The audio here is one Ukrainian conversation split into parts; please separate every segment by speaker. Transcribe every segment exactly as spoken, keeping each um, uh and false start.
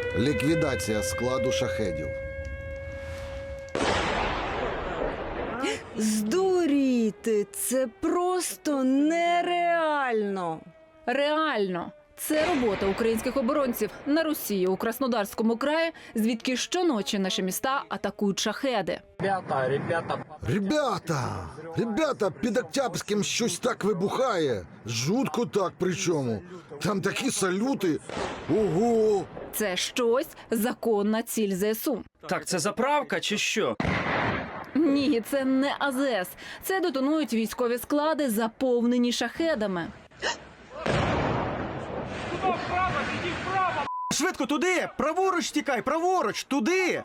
Speaker 1: Ліквідація складу шахедів.
Speaker 2: Здуріти! Це просто нереально!
Speaker 3: Реально. Це робота українських оборонців на Росії у Краснодарському краї, звідки щоночі наші міста атакують шахеди.
Speaker 4: Ребята, ребята.
Speaker 1: Ребята! Ребята, під Октябрським щось так вибухає. Жутко так причому. Там такі салюти. Ого!
Speaker 3: Це щось законна ціль ЗСУ.
Speaker 5: Так, це заправка чи що?
Speaker 3: Ні, це не АЗС. Це детонують військові склади, заповнені шахедами.
Speaker 6: Швидко туди! Праворуч тікай, праворуч, туди!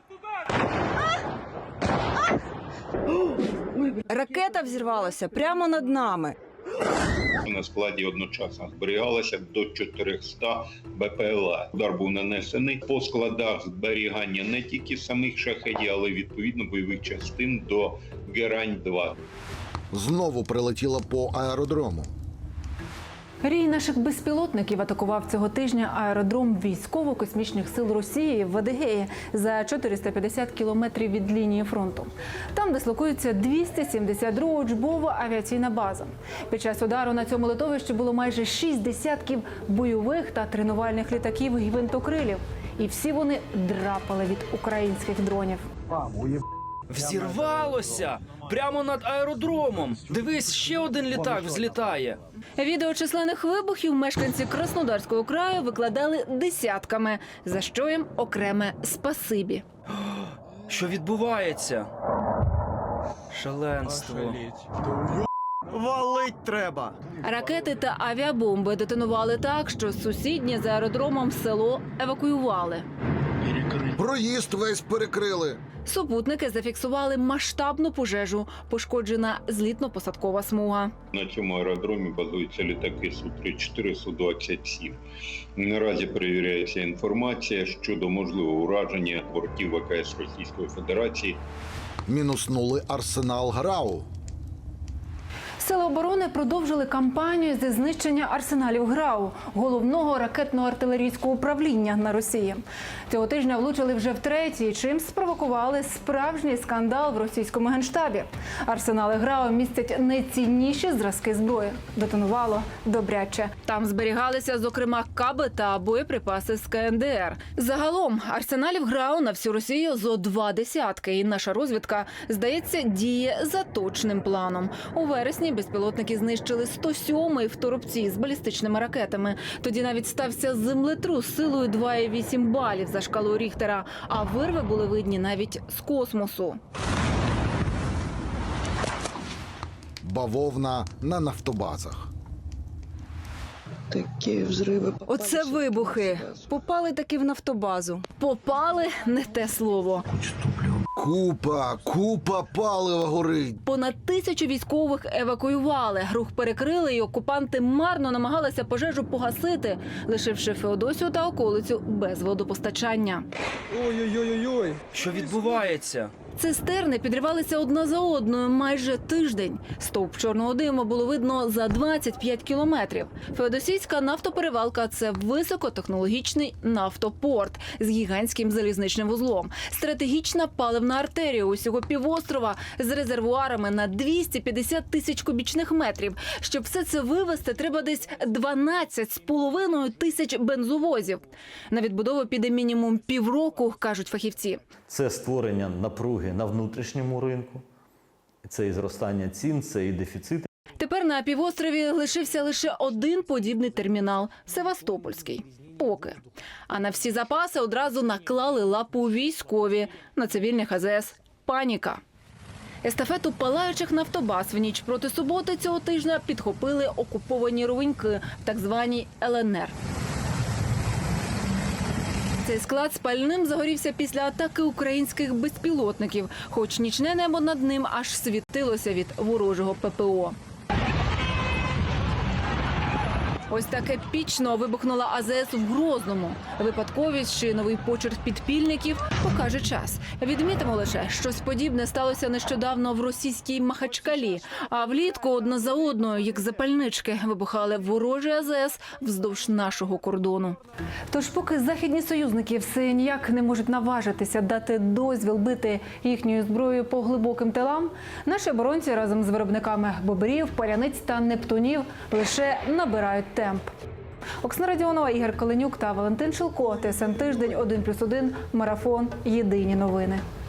Speaker 2: Ракета взірвалася прямо над нами.
Speaker 7: На складі одночасно зберігалося до чотирьохсот БПЛА. Удар був нанесений по складах зберігання не тільки самих шахедів, але й відповідно бойових частин до Герань два.
Speaker 1: Знову прилетіло по аеродрому.
Speaker 3: Рій наших безпілотників атакував цього тижня аеродром військово-космічних сил Росії в Адигеї за чотириста п'ятдесят кілометрів від лінії фронту. Там дислокується двісті сімдесят друга учбова авіаційна база. Під час удару на цьому литовищі було майже шість десятків бойових та тренувальних літаків і гвинтокрилів. І всі вони драпали від українських дронів.
Speaker 5: Взірвалося! Прямо над аеродромом! Дивись, ще один літак взлітає.
Speaker 3: Відео численних вибухів мешканці Краснодарського краю викладали десятками, за що їм окреме спасибі.
Speaker 5: Що відбувається? Шаленство.
Speaker 6: Валить треба!
Speaker 3: Ракети та авіабомби детонували так, що сусіднє за аеродромом село евакуювали.
Speaker 1: Проїзд весь перекрили.
Speaker 3: Супутники зафіксували масштабну пожежу, пошкоджена злітно-посадкова смуга.
Speaker 7: На цьому аеродромі базуються літаки Су тридцять чотири, Су двадцять сім. Наразі перевіряється інформація щодо можливого ураження бортів ВКС Російської Федерації.
Speaker 1: Мінуснули арсенал ГРАУ.
Speaker 3: Сили оборони продовжили кампанію зі знищення арсеналів ГРАУ, головного ракетно-артилерійського управління на Росії. Цього тижня влучили вже втретє, чим спровокували справжній скандал в російському генштабі. Арсенали ГРАУ містять найцінніші зразки зброї. Детонувало добряче. Там зберігалися, зокрема, каби та боєприпаси з ка ен де ер. Загалом арсеналів ГРАУ на всю Росію зо два десятки. І наша розвідка, здається, діє за точним планом. У вересні безпілотники знищили сто сьомий в Торопці з балістичними ракетами. Тоді навіть стався землетрус силою два цілих вісім балів за шкалою Ріхтера, а вирви були видні навіть з космосу.
Speaker 1: Бавовна на нафтобазах.
Speaker 8: Такі взриви.
Speaker 2: Оце вибухи. Попали таки в нафтобазу.
Speaker 3: Попали – не те слово.
Speaker 1: Купа, купа палива горить.
Speaker 3: Понад тисячу військових евакуювали. Рух перекрили, і окупанти марно намагалися пожежу погасити, лишивши Феодосію та околицю без водопостачання.
Speaker 6: Ой-ой-ой-ой!
Speaker 5: Що відбувається?
Speaker 3: Цистерни підривалися одна за одною майже тиждень. Стовп чорного диму було видно за двадцять п'ять кілометрів. Феодосійська нафтоперевалка – це високотехнологічний нафтопорт з гігантським залізничним вузлом. Стратегічна паливна артерія усього півострова з резервуарами на двісті п'ятдесят тисяч кубічних метрів. Щоб все це вивезти, треба десь дванадцять з половиною тисяч бензовозів. На відбудову піде мінімум півроку, кажуть фахівці.
Speaker 9: Це створення напруги на внутрішньому ринку, це і зростання цін, це і дефіцит.
Speaker 3: Тепер на півострові лишився лише один подібний термінал – Севастопольський. Поки. А на всі запаси одразу наклали лапу військові. На цивільних а зе ес – паніка. Естафету палаючих нафтобаз в ніч проти суботи цього тижня підхопили окуповані ровеньки в так званій ел ен ер. Цей склад спальним загорівся після атаки українських безпілотників, хоч нічне небо над ним аж світилося від ворожого пе пе о.
Speaker 2: Ось так епічно вибухнула А З С в Грозному. Випадковість чи новий почерк підпільників покаже час. Відмітимо лише, щось подібне сталося нещодавно в російській Махачкалі. А влітку одна за одною, як запальнички, вибухали ворожі А З С вздовж нашого кордону.
Speaker 3: Тож поки західні союзники все ніяк не можуть наважитися дати дозвіл бити їхньою зброєю по глибоким тилам, наші оборонці разом з виробниками бобрів, паляниць та нептунів лише набирають темп. Оксана Радіонова, Ігор Коленюк та Валентин Шилко. Т С Н Тиждень, один плюс один, Марафон. Єдині новини.